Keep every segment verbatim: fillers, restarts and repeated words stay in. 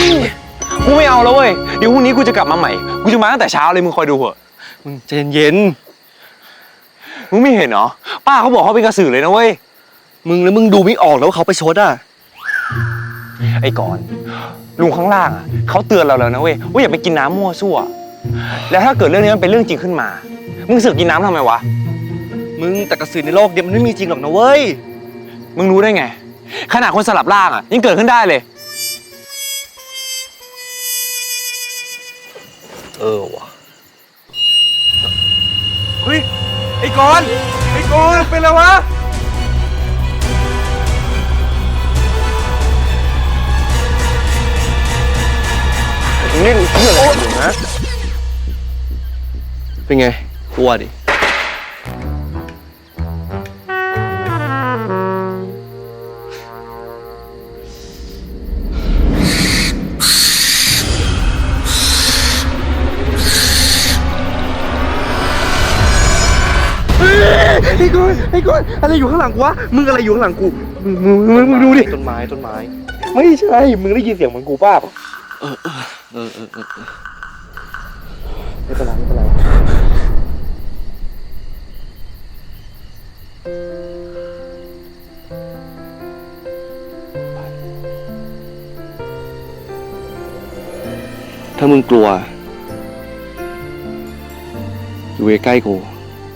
กูไม่เอาแล้วเว้ยเดี๋ยวพรุ่งนี้กูจะกลับมาใหม่กูจะมาตั้งแต่เช้าเลยมึงคอยดูเถอะมึงใจเย็นมึงไม่เห็นเหรอป้าเขาบอกเขาเป็นกระสือเลยนะเว้ยมึงแล้วมึงดูไม่ออกแล้วว่าเขาไปชดอ่ะไอ้ก่อนลุงข้างล่างอ่ะเขาเตือนเราแล้วนะเว้ยว่าอย่าไปกินน้ำมั่วซั่วแล้วถ้าเกิดเรื่องนี้มันเป็นเรื่องจริงขึ้นมามึงเสือกกินน้ำทำไมวะมึงแต่กระสือในโลกเดี๋ยวมันไม่มีจริงหรอกนะเว้ยมึงรู้ได้ไงขนาดคนสลับร่างอ่ะยังเกิดขึ้นได้เลยเออว่ะเฮ้ยไอ้กอนไอ้กอนเป็นอะไรวะนี่เพื่ออะไรอยู่นะเป็นไงกลัวดิไอ้ก้อนไอ้ก้อนอะไรอยู่ข้างหลังกูวะมึงอะไรอยู่ข้างหลังกูมึงมึงมึงมึงดูดิต้นไม้ต้นไม้ไม่ใช่มึงได้ยินเสียงเหมือนกูป่ะเออเออเออเออเออไม่เป็นไรไม่เป็นไรถ้ามึงกลัวอยู่ใกล้ๆกู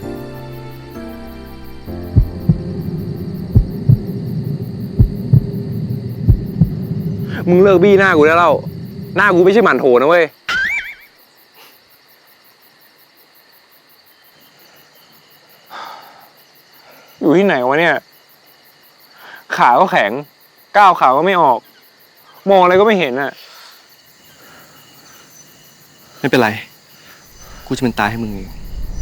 มึงเลิกบี้หน้ากูได้แล้วหน้ากูไม่ใช่หมันโถนะเว้ยอยู่ที่ไหนวะเนี่ยขาก็แข็งก้าวขาก็ไม่ออกมองอะไรก็ไม่เห็นอ่ะไม่เป็นไรกูจะเป็นตายให้มึงเอง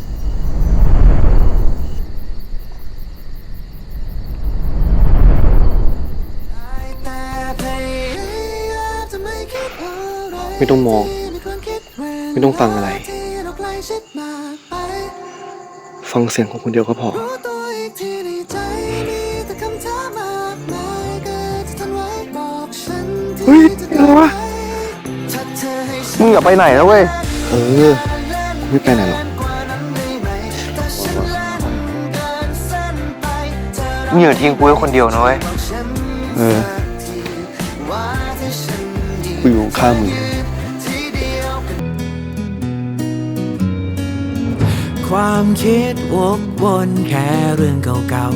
ไม่ต้องมองไม่ต้องฟังอะไรฟังเสียงของคนเดียวก็พอเฮ้ยอะไรวะมึงอย่าไปไหนนะเว้ยเออไม่ไปไหนหรอกมึงอย่าทิ้งกูไว้คนเดียวนะเว้ยเออกูอยู่ข้างมึงความคิดวกวนแค่เรื่องเก่าๆ